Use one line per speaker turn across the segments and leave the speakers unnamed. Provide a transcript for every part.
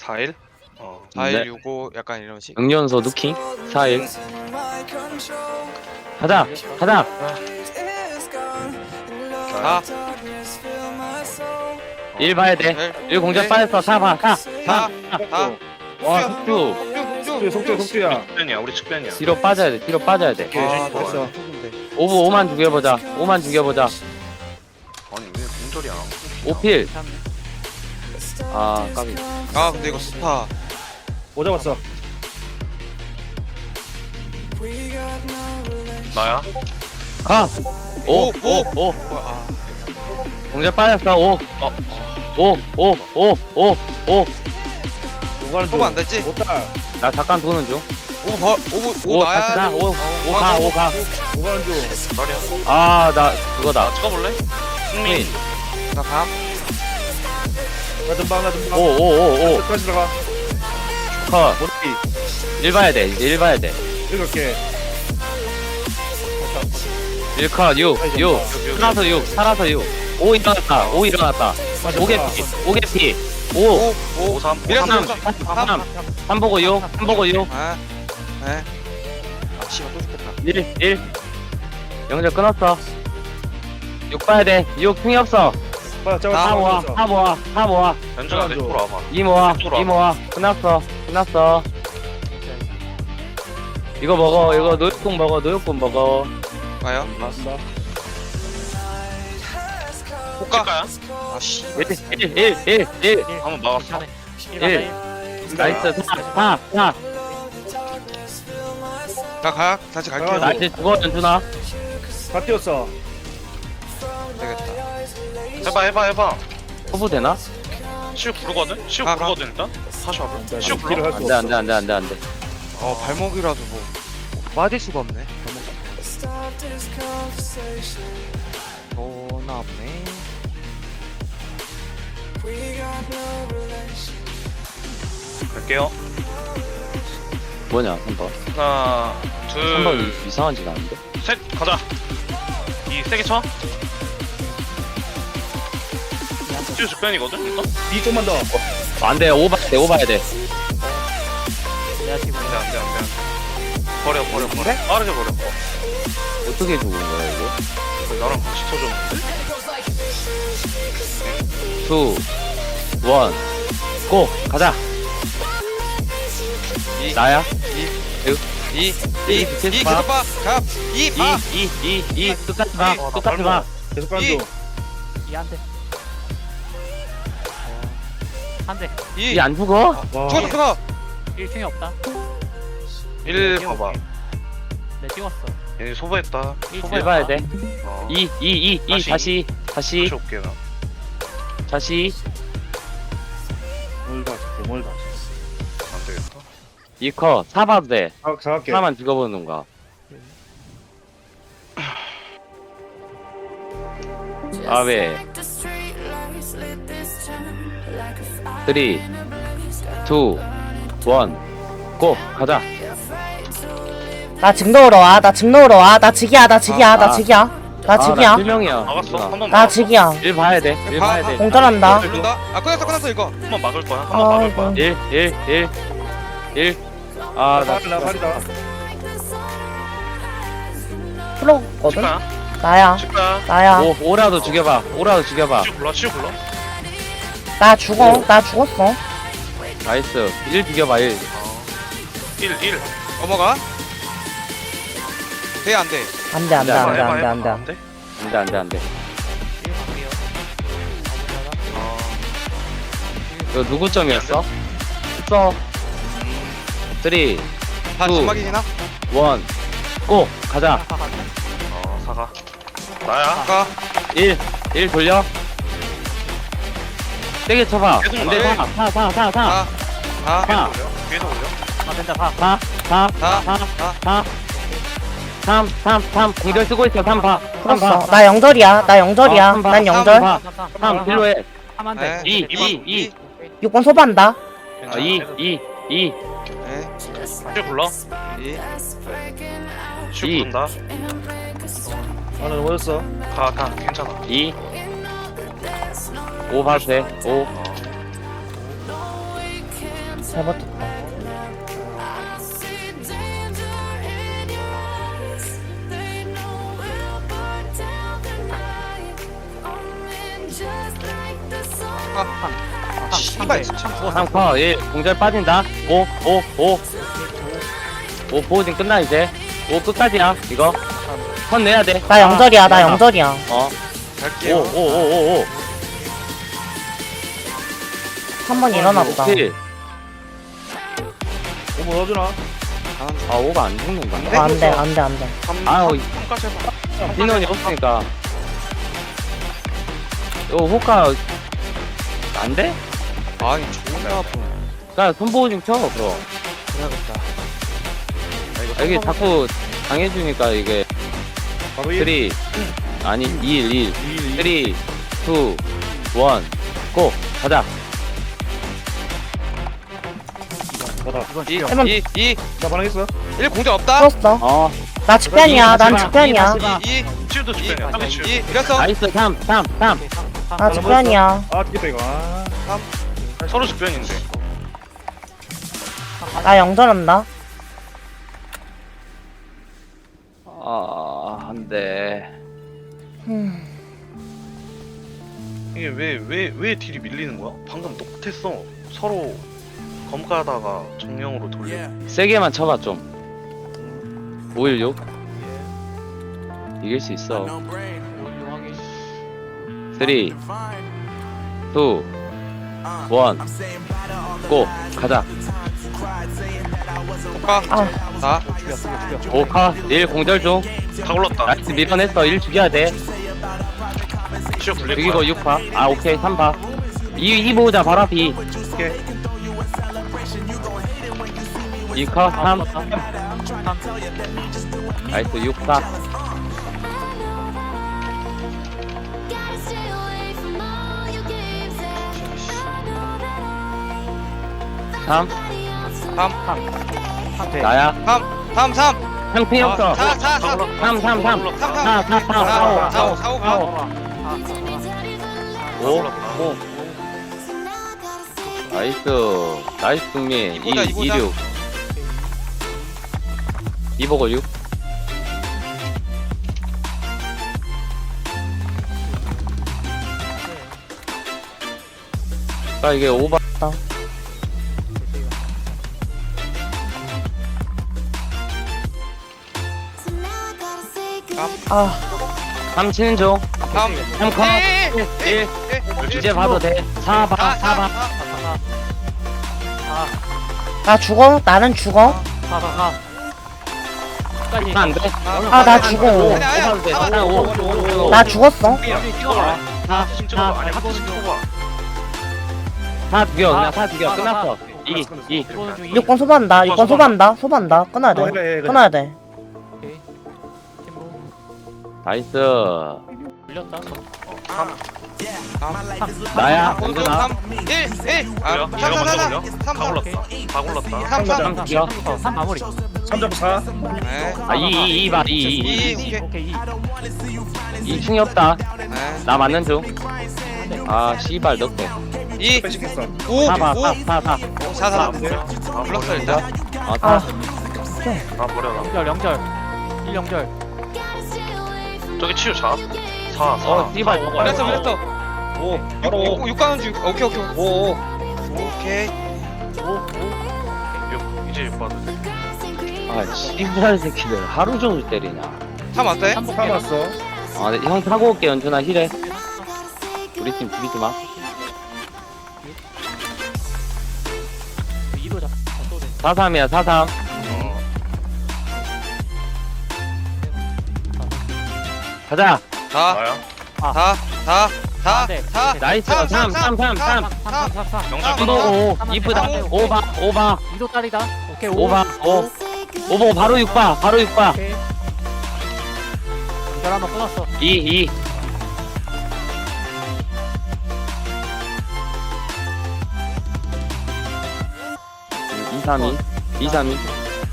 4일?
4일,
네.
65 약간 이런 식.
응연소 누킹 4일 가자 가자
4
1 봐야 돼1 공작 빠졌어 4 봐 4
4 4
와 숙주
속주야.
측변이야 우리 측변이야.
뒤로 빠져야 돼 뒤로 빠져야 돼
아,
됐어.
오브 5만 죽여보자 5만 죽여보자
아니 왜 공절이야?
5필 아 까비
아 근데 이거 스파
뭐 잡았어?
나야?
가!
오,
5 5 5
아,
공작 빠졌어 5 5 5 5 5 5
오가는
소금 안 됐지?
오달.
나 잠깐 도는 중
5
다시 가
나야
5 가 5 가
오가는 중.
나리야.
아 나 그거다
찍어볼래?
승민
나 감.
나 든방 나 든방.
5 5 5 5
끝까지 들어가.
컷
머리.
1 봐야 돼 1 봐야 돼
이렇게.
1컷 6 살아서 6 살아서 6 5 일어났다 5 일어났다 5개피 5개피 5
5
5 3
밀었어
3
밀었어
3 3 보고 6 3 보고 6
아, 네. 아 씨발 또 죽겠다.
1 1 영절 끊었어 6 봐야 돼6 풍이 없어
빨리 잡아.
4 모아 4 모아 4 모아
연준아 내 쪽으로 와봐.
2 모아
이쪽으로
2 모아 끝났어 끝났어 이거 먹어 이거 노육국 먹어 노육국 먹어
와요.
맞다.
호가.
찍까야?
아 씨.
1
한번 막았어.
1 나이스 4 4
나 다시 갈게요.
나이스 죽어 연준아
다 뛰었어.
되겠다.
해봐.
호부 되나?
시우 부르거든? 시우
가.
부르거든 일단? 다시 와봐. 시우
딜을
불러.
할수 없어.
안돼
발목이라도 뭐 빠질 수가 없네. 너나 없네.
갈게요.
뭐냐 3번
하나
3번
둘
이상한 짓 나는데?
셋 가자. 이 세게 쳐. 시우 측변이거든 일단?
이 좀만 더.
안돼 5 봐야 돼 5 봐야 돼
안돼. 버려. 빠르게 버려.
어떻게 죽은 거야 이거?
나랑 같이 터졌는데?
2 1 고! 가자! 나야?
2
계속
계속
봐.
봐. 갑. 2 봐.
2 똑같이 봐 똑같이 봐
계속 가는
이.
중.
이한대 한대
2
이 안 죽어?
와.
죽었어.
1층에 없다
1 봐봐.
네 찍었어
얘네 소부했다.
1 봐야 돼
어.
2 다시
다시 올게 나.
다시
멀다. 멀다.
안 되겠다.
2컷 4 봐도 돼
사갈게.
4만 죽어보는 거야 아베 3 2 1 고! 가자
나 직 넣으러 와. 나 직 넣으러 와. 나 직이야. 나 직이야. 나 직이야. 나 직이야.
1명이야
막았어. 한번
나 직이야.
1 봐야 돼 1 봐야 돼
공전한다.
죽는다. 아 끝났어 이거.
한번 막을 거야. 한번 막을 거야.
아이고.
1 아, 나
나 발이다.
프로거든?
칠까야?
나야.
칠까야?
나야.
5라도 죽여봐 5라도 죽여봐
시우 불러.
나 죽어. 나 죽었어.
나이스 1 죽여봐 1
1
넘어가. 돼 안 돼.
안 돼, 안 돼, 안 돼, 안 돼, 안 돼.
안돼 이거 누구 점이었어? 써 3 2
다
구.
점막이나?
1 고! 가자
사가. 나야.
아까
1 돌려 세게 쳐봐
계속
안돼
나해.
4
4 4
계속 올려.
아 된다 봐
3 공절 쓰고 있어 3 봐. 3
풀었어.
봐.
나 영절이야. 나 영절이야.
삼 봐.
난 영절.
3 필요해
3한대
2
6번 소반다.
2
네.
시우 불러.
2
시우
이.
부른다.
나는 넘어졌어.
가. 괜찮아.
2 5 봐도 돼 5
잘 버텼다.
씨발 진짜.
3커 1 공절 빠진다 5 보호진 끝나 이제 5 끝까지야 이거 선 내야 돼
나 영절이야, 나 영절이야.
갈게요.
5
한 번 일어나 보다.
7
오뭐 넣어주나?
아 5가 안 죽는다
어, 안 돼, 안 돼, 안 돼.
아우,
3까지 해봐.
민원이 없으니까 요 호카 안 돼?
아니 존나 아픈.
나 손보호 좀 켜, 그럼.
그래야겠다.
여기 자꾸 당해주니까 이게
바로
3
1
아니 2 1 3 2 1 고! 가자.
받아.
이건
2
죽여.
2
나 반응했어.
1 공격 없다.
풀었어.
어.
나 직변이야, 난 직변이야.
2
치유도 주변이야. 상대 치유.
2 이랬어.
나이스 3
오케이,
나 직변이야.
아 죽겠다 이거. 아.
서로 주변인데.
나 영절한다.
안 돼.
이게 왜 딜이 밀리는 거야? 방금 똑같았어. 서로 검가다가 정령으로 돌려.
세게만 쳐봐, 좀. 516. 이길 수 있어. 3 2 1 고! 가자.
가. 나.
5카 1 공절 중.
다 올랐다.
나이스 밀어냈어. 1 죽여야 돼.
치유 굴릴
죽이고
거야.
6파. 아, 오케이. 3파. 2 보자, 바로 앞이.
오케이.
2카 3. 나이스 6파. 3.
3
나야.
3 3
형피 없어.
4 4
다
4
올랐다.
3 3 3.
3
4 4 4.
4 4 5
5. 나이스. 나이스 승리. 2
이보자,
2 6. 2 보고 6. 아, 이게 오바.
아,
3 치는 중.
3
3 컷. 1. 이제 봐도 돼. 4 봐. 4 봐.
나 죽어? 나는 죽어?
끝까지.
안 돼.
아, 나 죽어.
아니야, 아니야.
돼. 하나 5.
나 죽었어.
지금 찍어봐. 아니 하트 좀 찍어봐.
4 죽여. 그냥 4 죽여. 끝났어. 2. 2.
이거는 중
6번 소반다. 6번 소반다. 소반다. 끊어야
뭐
돼.
해, 그냥.
끊어야 돼.
나이스.
밀렸다.
나야.
공격
은근아.
3 1 1
뭐야?
3
얘가
4
먼저
4
올려?
3
다
3
올랐다. 다 올랐다.
3 3
3 죽여.
3 마무리.
3 잡고 4.
네.
아, 2 봐. 2.
2
오케이 2.
2층이 없다.
네.
나 맞는 중. 아, 씨발 넣게.
2
빼시겠어.
5
4 봐.
5
4 4.
4 4
아
불렀어 일단.
아,
아,
4.
아 버려라.
0절 1 0절.
저기 치유 잡. 4
어,
4.
씨발.
그랬어 그랬어.
5. 바로 5.
6 가는 중. 오케이 오케이. 5 오케이.
6 이제 6 받을 때.
아, 씨발 새끼들. 하루 종일 때리냐.
3 왔어요?
3 왔어.
아, 네, 형 타고 올게. 연준아, 힐해. 우리 팀 비비지 마.
2도 잡. 또 돼.
4-3이야, 4-3.
어.
가자.
4
나야.
4 4 4
네.
4
나이스. 3, 3, 3, 3.
3.
영절
삼.
끊어.
5, 이쁘다. 5봐, 5봐.
2도 딸이다. 오케이 5.
5봐, 5. 5보 바로 6봐, 바로 6봐.
오케이. 연결 한번 끊었어.
2, 2. 이 3, 2. 2, 3, 2.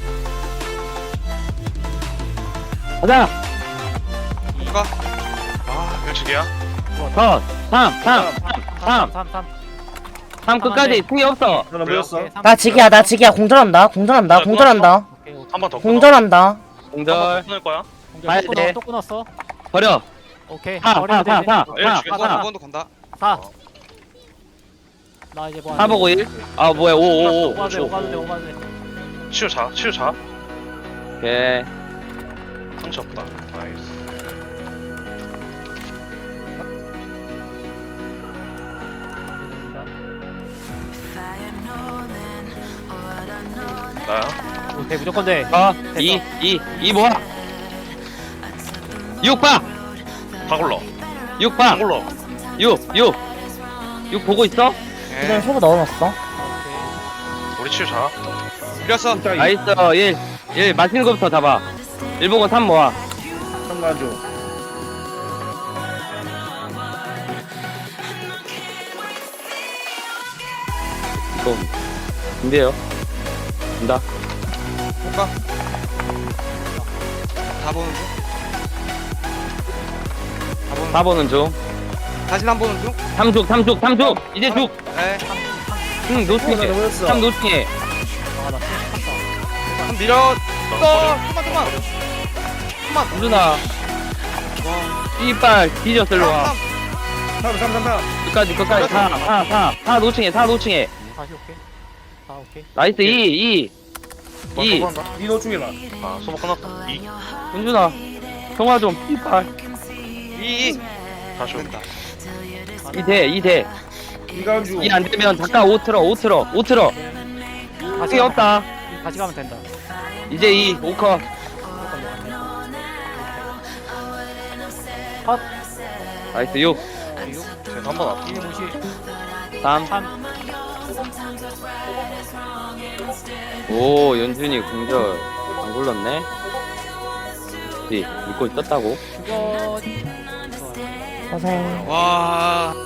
가자!
누가?
아, 일치기야?
컷! 3, 3, 3.
3.
3 끝까지 승이 없어.
하나 모였어.
나 직이야 나 직이야 공전한다 공전한다 공전한다
오케이.
한 번 더.
공전한다
공절
끊을 거야.
가야
또
돼.
끊어, 또 끊었어.
버려.
오케이.
4
버리면
4
되지.
4
일
4
죽였어.
4
5번도 간다.
4. 나 이제 뭐
4 보고 1. 아 뭐야 5 5 5
오가도 돼, 오가도 돼, 오가도 돼.
치유 자. 치유 자.
오케이.
상처 없다. 나이스. 나야.
오케이, 무조건 돼.
2 뭐야? 6봐.
다 굴러.
6봐.
다 굴러.
6 보고 있어?
이건 소부 넣어놨어
오케이.
우리 치유 자.
밀렸어.
나이스 1 맛있는 거부터 잡아. 1 보고 3 모아.
3 가줘.
이거 준비해요. 간다.
볼까? 다 보는 중. 다 보는
4 보는 중.
다시 한 보는 중.
3 쭉. 이제 쭉.
네.
응, 노팅해.
하나 모였어.
3 노팅해.
아, 나 쳤다.
한 밀어. 좀만.
우준아.
와.
이빨 뒤졌어, 일로 와.
3
끝까지. 4 노팅해. 4 노팅해.
다시 오케이. 아, 오케이.
나이스 2.
이노 중에 봐.
아 소모 끝났다. 2.
은준아. 통화 좀. 이빨.
2.
다시 오.
된다.
2 돼.
이가주.
2 안 되면 잠깐 5 틀어.
다시
승이 없다.
다시 가면 된다.
이제 2. 5컷.
컷.
나이스 6.
쟤는 한번 왔다.
1 무시.
3.
3.
오, 연준이 공절 안 굴렀네. 믿고 있었다고.
그거.
고생
와.